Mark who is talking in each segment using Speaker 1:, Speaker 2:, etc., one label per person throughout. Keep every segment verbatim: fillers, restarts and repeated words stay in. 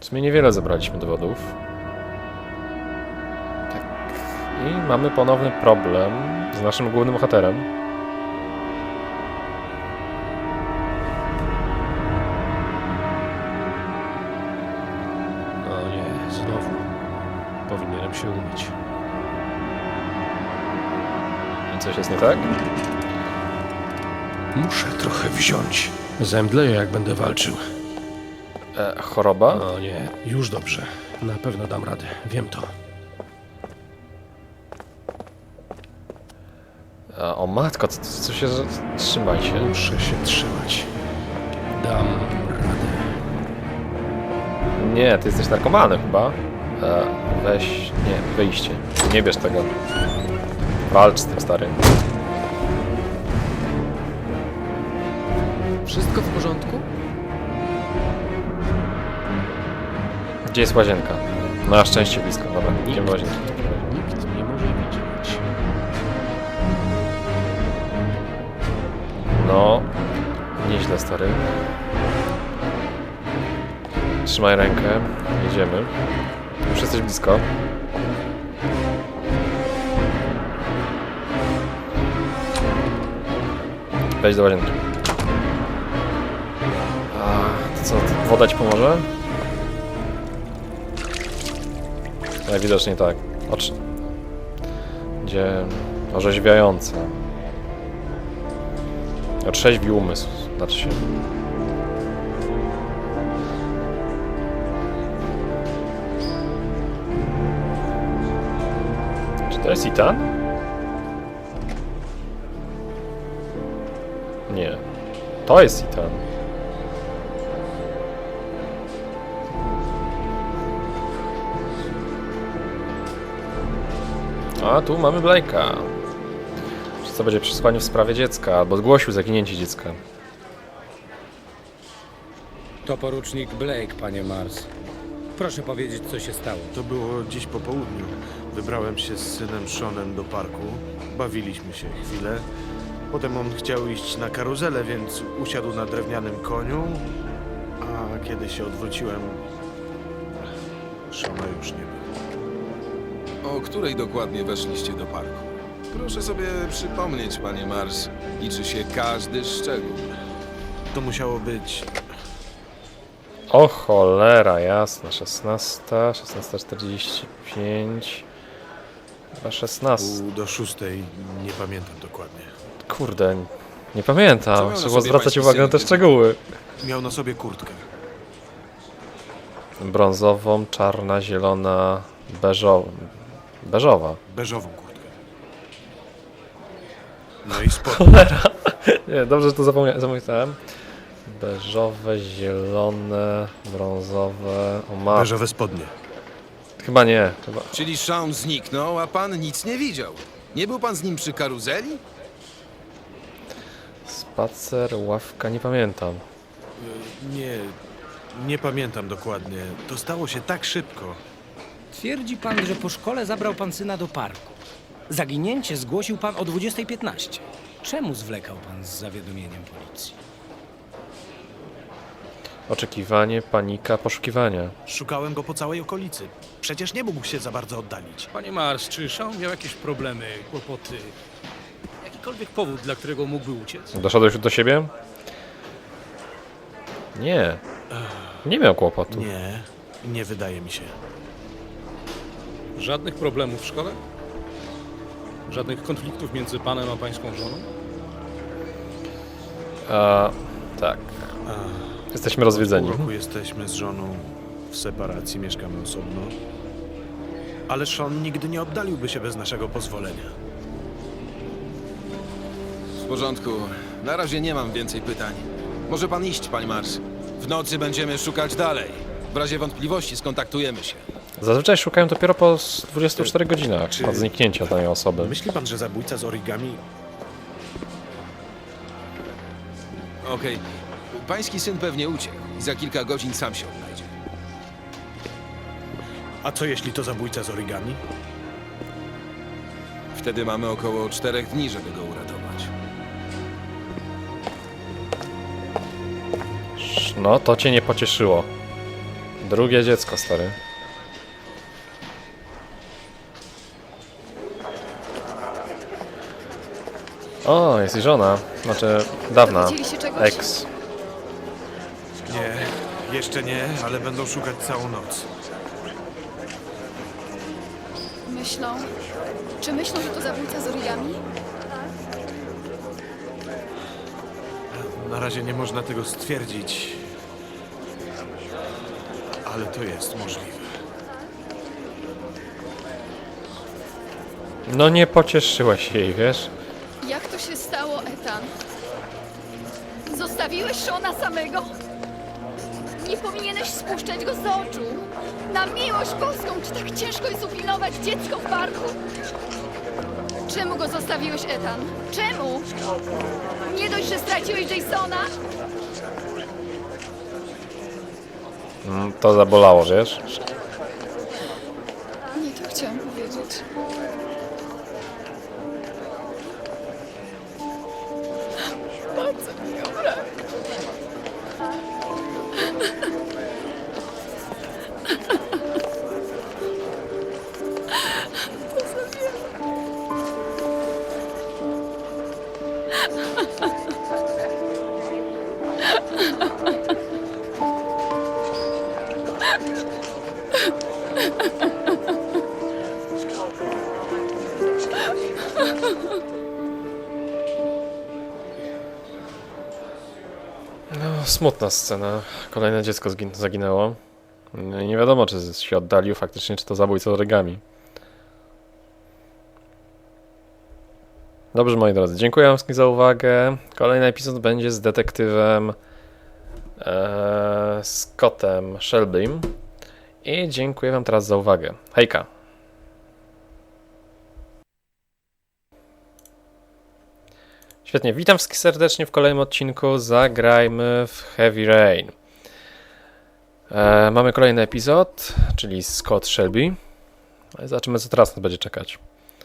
Speaker 1: sumie niewiele zebraliśmy dowodów. Tak. I mamy ponowny problem z naszym głównym bohaterem.
Speaker 2: O nie, znowu. Powinienem się umyć.
Speaker 1: Coś jest nie tak?
Speaker 2: Muszę trochę wziąć. Zemdleję, jak będę walczył.
Speaker 1: E, choroba?
Speaker 2: O nie, już dobrze. Na pewno dam radę, wiem to.
Speaker 1: E, o matko, co, co się... Trzymaj się.
Speaker 2: Muszę się trzymać. Dam radę.
Speaker 1: Nie, ty jesteś narkomanem chyba. E, weź... Nie, wyjście. Nie bierz tego. Walcz z tym, stary.
Speaker 3: Wszystko w porządku?
Speaker 1: Gdzie jest łazienka? Na szczęście blisko, dobra. Idziemy do łazienki.
Speaker 2: Nikt nie może widzieć.
Speaker 1: No... Nieźle, stary. Trzymaj rękę. Jedziemy. Już jesteś blisko. Wejdź do łazienki. A, to co, to woda ci pomoże? Najwidoczniej tak. Oczy... Gdzie... Orzeźwiające. Otrzeźwi umysł, znaczy się. Czy to jest Ethan? Nie. To jest Ethan. A tu mamy Blake'a. Czy co będzie przesłanie w sprawie dziecka, albo zgłosił zaginięcie dziecka.
Speaker 4: To porucznik Blake, panie Mars. Proszę powiedzieć, co się stało.
Speaker 5: To było dziś po południu. Wybrałem się z synem Seanem do parku. Bawiliśmy się chwilę. Potem on chciał iść na karuzelę, więc usiadł na drewnianym koniu. A kiedy się odwróciłem, Seana już nie było.
Speaker 6: O której dokładnie weszliście do parku? Proszę sobie przypomnieć, panie Mars. Liczy się każdy szczegół.
Speaker 5: To musiało być...
Speaker 1: O cholera, jasna. szesnasta, szesnasta czterdzieści pięć. Chyba szesnasta.
Speaker 5: pół do szóstej, nie pamiętam dokładnie.
Speaker 1: Kurde, nie
Speaker 6: Co
Speaker 1: pamiętam.
Speaker 6: miał na
Speaker 1: Trzeba
Speaker 6: sobie
Speaker 1: zwracać
Speaker 6: pański
Speaker 1: uwagę na
Speaker 6: syn,
Speaker 1: te
Speaker 6: kiedy-
Speaker 1: szczegóły.
Speaker 5: Miał na sobie kurtkę.
Speaker 1: Brązową, czarna, zielona, beżowa. Beżowa.
Speaker 5: Beżową kurtkę. No i spodnie.
Speaker 1: Cholera. Nie, dobrze, że to zapomnia- zapomniałem. Beżowe, zielone, brązowe. O ma.
Speaker 5: Beżowe spodnie.
Speaker 1: Chyba nie. Chyba.
Speaker 6: Czyli Sean zniknął, a pan nic nie widział. Nie był pan z nim przy karuzeli?
Speaker 1: Spacer, ławka, nie pamiętam.
Speaker 5: Nie, nie pamiętam dokładnie. To stało się tak szybko.
Speaker 4: Twierdzi pan, że po szkole zabrał pan syna do parku. Zaginięcie zgłosił pan o dwudziestej piętnaście. Czemu zwlekał pan z zawiadomieniem policji?
Speaker 1: Oczekiwanie, panika, poszukiwania.
Speaker 5: Szukałem go po całej okolicy. Przecież nie mógł się za bardzo oddalić.
Speaker 2: Panie Mars, czy Sean miał jakieś problemy, kłopoty? Jakikolwiek powód, dla którego mógłby uciec?
Speaker 1: Doszedłeś już do siebie? Nie. Nie miał kłopotu.
Speaker 5: Nie, nie wydaje mi się.
Speaker 2: Żadnych problemów w szkole? Żadnych konfliktów między panem a pańską żoną?
Speaker 1: A, tak. Jesteśmy rozwiedzeni.
Speaker 5: Pół roku jesteśmy z żoną w separacji, mieszkamy osobno. Ale Sean nigdy nie oddaliłby się bez naszego pozwolenia.
Speaker 6: W porządku. Na razie nie mam więcej pytań. Może pan iść, panie Mars. W nocy będziemy szukać dalej. W razie wątpliwości skontaktujemy się.
Speaker 1: Zazwyczaj szukają dopiero po dwudziestu czterech godzinach
Speaker 5: Czy-
Speaker 1: od zniknięcia danej osoby.
Speaker 5: Myśli pan, że zabójca z origami...
Speaker 6: Okej. Pański syn pewnie uciekł i za kilka godzin sam się odnajdzie.
Speaker 5: A co jeśli to zabójca z origami?
Speaker 6: Wtedy mamy około czterech dni, żeby go uratować.
Speaker 1: No, to cię nie pocieszyło. Drugie dziecko, stary. O, jest i żona. Znaczy, dawna.
Speaker 3: Dowiedzieli się czegoś?
Speaker 1: Ex.
Speaker 5: Nie, jeszcze nie, ale będą szukać całą noc.
Speaker 3: Myślą... Czy myślą, że to zabójca z origami?
Speaker 5: Na razie nie można tego stwierdzić, ale to jest możliwe.
Speaker 1: No nie pocieszyłeś jej, wiesz?
Speaker 3: Jak to się stało, Ethan? Zostawiłeś Shona samego? Nie powinieneś spuszczać go z oczu. Na miłość boską, czy tak ciężko jest upilnować dziecko w parku? Czemu go zostawiłeś, Ethan? Czemu? Nie dość, że straciłeś Jasona?
Speaker 1: Mm, To zabolało, wiesz?
Speaker 3: Nie to chciałam powiedzieć. Bardzo mi go brak.
Speaker 1: No, smutna scena. Kolejne dziecko zgin- zaginęło. No i nie wiadomo, czy się oddalił faktycznie, czy to zabójca z origami. Dobrze, moi drodzy, dziękuję wam wszystkim za uwagę. Kolejny epizod będzie z detektywem e, Scottem Shelbym. I dziękuję wam teraz za uwagę. Hejka! Świetnie, witam wszystkich serdecznie w kolejnym odcinku. Zagrajmy w Heavy Rain. E, mamy kolejny epizod, czyli Scott Shelby. Zobaczymy, co teraz nas będzie czekać.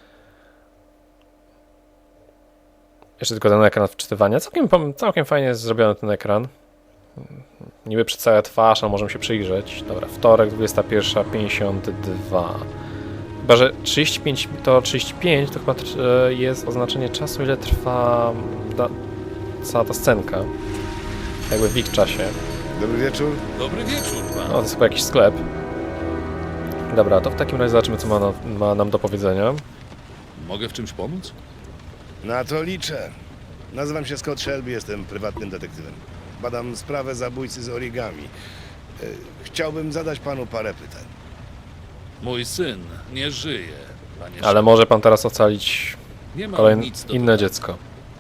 Speaker 1: Jeszcze tylko ten ekran wczytywania. Całkiem, pom- całkiem fajnie jest zrobiony ten ekran. Niby przedstawia twarz, a możemy się przyjrzeć. Dobra, wtorek, dwudziesta pierwsza pięćdziesiąt dwa. Chyba, że trzydzieści pięć to trzydzieści pięć to chyba tr- e, jest oznaczenie czasu, ile trwa da- cała ta scenka. Jakby w ich czasie.
Speaker 7: Dobry wieczór.
Speaker 8: Dobry wieczór,
Speaker 1: O,
Speaker 8: pan.
Speaker 1: to jest chyba jakiś sklep. Dobra, to w takim razie zobaczymy, co ma, na, ma nam do powiedzenia.
Speaker 8: Mogę w czymś pomóc?
Speaker 7: Na to liczę. Nazywam się Scott Shelby, jestem prywatnym detektywem. Badam sprawę zabójcy z origami. E, Chciałbym zadać panu parę pytań.
Speaker 8: Mój syn nie żyje, panie
Speaker 1: Ale może pan teraz ocalić
Speaker 8: Nie mam
Speaker 1: kolejne
Speaker 8: nic do
Speaker 1: inne
Speaker 8: dodania.
Speaker 1: dziecko.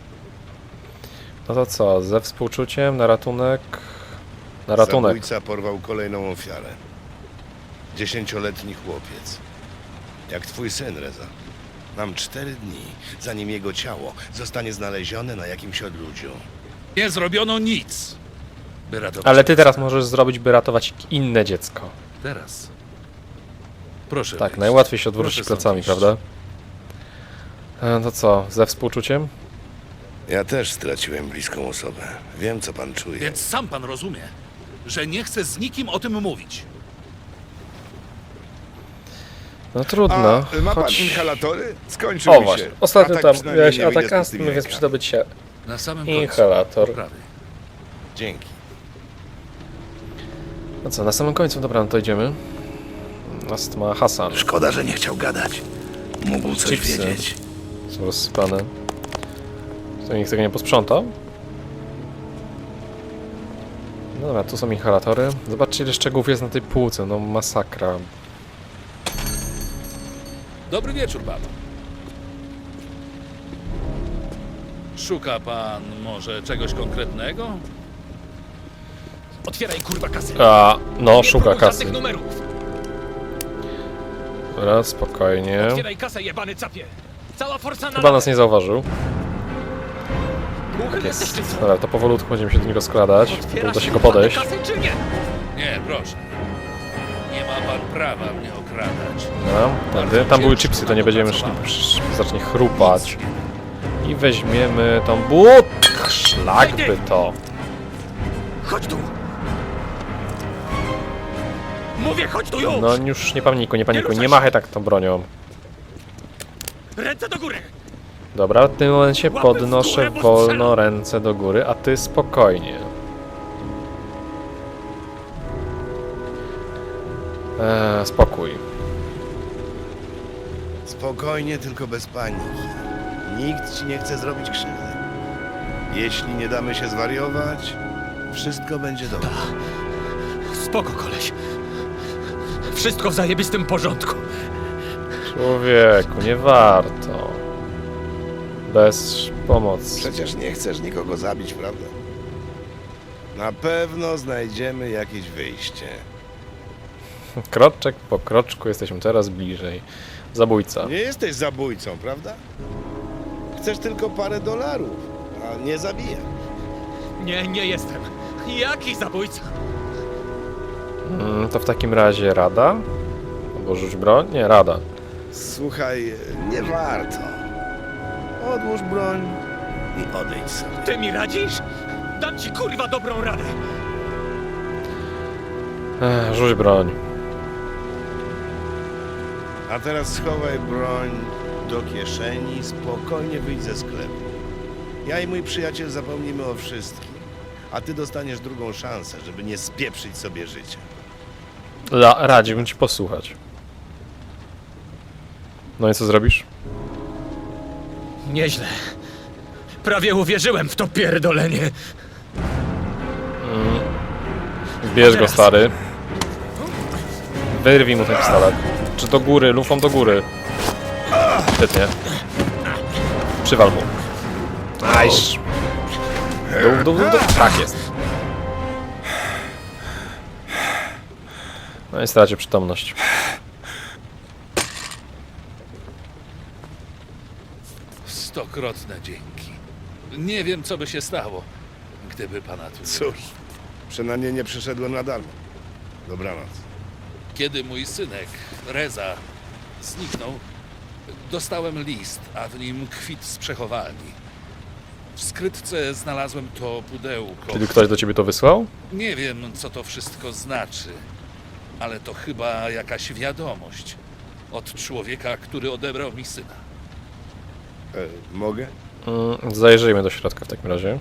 Speaker 1: No to co, ze współczuciem na ratunek... Na ratunek.
Speaker 7: Zabójca porwał kolejną ofiarę. Dziesięcioletni chłopiec. Jak twój syn, Reza. Mam cztery dni, zanim jego ciało zostanie znalezione na jakimś odludziu.
Speaker 8: Nie zrobiono nic, by ratować.
Speaker 1: Ale ty teraz możesz zrobić, by ratować inne dziecko.
Speaker 8: Teraz. Proszę.
Speaker 1: Tak,
Speaker 8: wyjść.
Speaker 1: najłatwiej się odwrócić
Speaker 8: Proszę
Speaker 1: plecami,
Speaker 8: stąd
Speaker 1: prawda? E, To co, ze współczuciem?
Speaker 7: Ja też straciłem bliską osobę. Wiem, co pan czuje.
Speaker 8: iść. Więc sam pan rozumie, że nie chcę z nikim o tym mówić.
Speaker 1: No trudno.
Speaker 7: A, ma pan
Speaker 1: choć...
Speaker 7: inhalatory? Skończył
Speaker 1: O
Speaker 7: mi
Speaker 1: właśnie,
Speaker 7: się.
Speaker 1: ostatnio
Speaker 7: Atak
Speaker 1: tam
Speaker 7: przynajmniej
Speaker 1: miałeś
Speaker 7: nie wyjdzie
Speaker 1: atak
Speaker 7: z
Speaker 1: astmy,
Speaker 7: pustymi
Speaker 1: więc
Speaker 7: rękami.
Speaker 1: przyda ci się
Speaker 8: Na samym końcu.
Speaker 1: inhalator.
Speaker 8: Poprawy.
Speaker 7: Dzięki.
Speaker 1: No co, na samym końcu, dobra, no to idziemy. Astma Hasan.
Speaker 7: Szkoda, że nie chciał gadać. Mógł coś
Speaker 1: Chipsy.
Speaker 7: wiedzieć.
Speaker 1: Są rozsypane. To nikt tego nie posprzątał? Dobra, tu są inhalatory. Zobaczcie, ile szczegółów jest na tej półce. No masakra.
Speaker 8: Dobry wieczór panu. Szuka pan może czegoś konkretnego?
Speaker 2: Otwieraj kurwa kasę.
Speaker 1: A, no, szuka
Speaker 2: Próbuj
Speaker 1: kasy.
Speaker 2: żadnych numerów.
Speaker 1: Dobra, spokojnie.
Speaker 2: Otwieraj kasę, jebany capie. Cała forsa na
Speaker 1: Chyba nas nie zauważył.
Speaker 2: Głuchy
Speaker 1: Tak
Speaker 2: jesteś,
Speaker 1: jest.
Speaker 2: ty co?
Speaker 1: Dobra, to powolutku będziemy się do niego skradać.
Speaker 2: Otwierasz
Speaker 1: Uda się go
Speaker 2: jebane
Speaker 1: podejść.
Speaker 2: kasy, czy nie?
Speaker 8: Nie, proszę. Nie ma pan prawa mnie okradać.
Speaker 1: Dobra, tędy. Tam były chipsy, to nie będziemy szli, psz, zacznie chrupać. I weźmiemy tą but. Szlak by to.
Speaker 2: Chodź tu. Mówię, chodź tu już!
Speaker 1: No już nie panikuj, nie panikuj, nie machaj tak tą bronią.
Speaker 2: Ręce do góry!
Speaker 1: Dobra, w tym momencie
Speaker 2: Łapy w
Speaker 1: podnoszę
Speaker 2: górę, bo
Speaker 1: wolno
Speaker 2: strzelam.
Speaker 1: ręce do góry, a ty spokojnie. Eee, spokój.
Speaker 7: Spokojnie, tylko bez paniki. Nikt ci nie chce zrobić krzywdy. Jeśli nie damy się zwariować, wszystko będzie dobrze.
Speaker 2: Spoko, koleś. Wszystko w zajebistym porządku.
Speaker 1: Człowieku, nie warto. Bez pomocy.
Speaker 7: Przecież nie chcesz nikogo zabić, prawda? Na pewno znajdziemy jakieś wyjście.
Speaker 1: Kroczek po kroczku jesteśmy coraz bliżej. Zabójca.
Speaker 7: Nie jesteś zabójcą, prawda? Chcesz tylko parę dolarów, a nie zabijać.
Speaker 2: Nie, nie jestem. Jaki zabójca?
Speaker 1: Mm, to w takim razie rada? Albo rzuć broń? Nie, rada.
Speaker 7: Słuchaj, nie warto. Odłóż broń i odejdź sobie.
Speaker 2: Ty mi radzisz? Dam ci kurwa dobrą radę.
Speaker 1: Ech, rzuć broń.
Speaker 7: A teraz schowaj broń do kieszeni, spokojnie wyjdź ze sklepu. Ja i mój przyjaciel zapomnimy o wszystkim, a ty dostaniesz drugą szansę, żeby nie spieprzyć sobie życia.
Speaker 1: La, radziłbym ci posłuchać. No i co zrobisz?
Speaker 2: Nieźle. Prawie uwierzyłem w to pierdolenie.
Speaker 1: Bierz go, stary. Wyrwij mu ten pistolet. Czy do góry, lufą do góry. Świetnie. Przywal mu. Ajsz. Dół, dół, dół, dół. Tak jest. No i stracił przytomność.
Speaker 8: Stokrotne dzięki. Nie wiem, co by się stało, gdyby pana tu nie
Speaker 7: Cóż, przynajmniej nie przyszedłem na darmo. Dobranoc.
Speaker 8: Kiedy mój synek, Reza, zniknął, dostałem list, a w nim kwit z przechowalni. W skrytce znalazłem to pudełko.
Speaker 1: Czyli ktoś do ciebie to wysłał?
Speaker 8: Nie wiem, co to wszystko znaczy, ale to chyba jakaś wiadomość od człowieka, który odebrał mi syna.
Speaker 7: E, mogę?
Speaker 1: Mm, zajrzyjmy do środka w takim razie.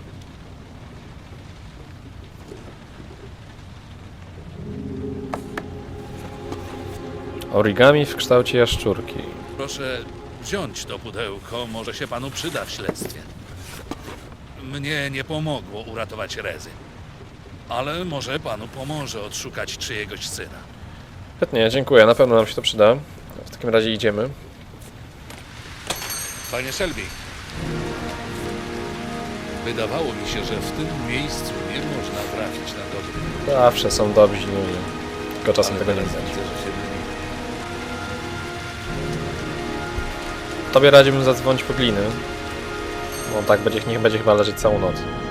Speaker 1: Origami w kształcie jaszczurki.
Speaker 8: Proszę wziąć to pudełko, może się panu przyda w śledztwie. Mnie nie pomogło uratować Rezy, ale może panu pomoże odszukać czyjegoś syna.
Speaker 1: Świetnie, dziękuję, na pewno nam się to przyda. W takim razie idziemy.
Speaker 8: Panie Shelby, wydawało mi się, że w tym miejscu nie można trafić na dobry.
Speaker 1: Zawsze są dobrzy ludzie. Tylko czasem
Speaker 8: Ale
Speaker 1: tego nie
Speaker 8: teraz
Speaker 1: widać.
Speaker 8: widzę, że się myli.
Speaker 1: Tobie radziłbym zadzwonić po gliny. Bo tak będzie, niech będzie chyba leżeć całą noc.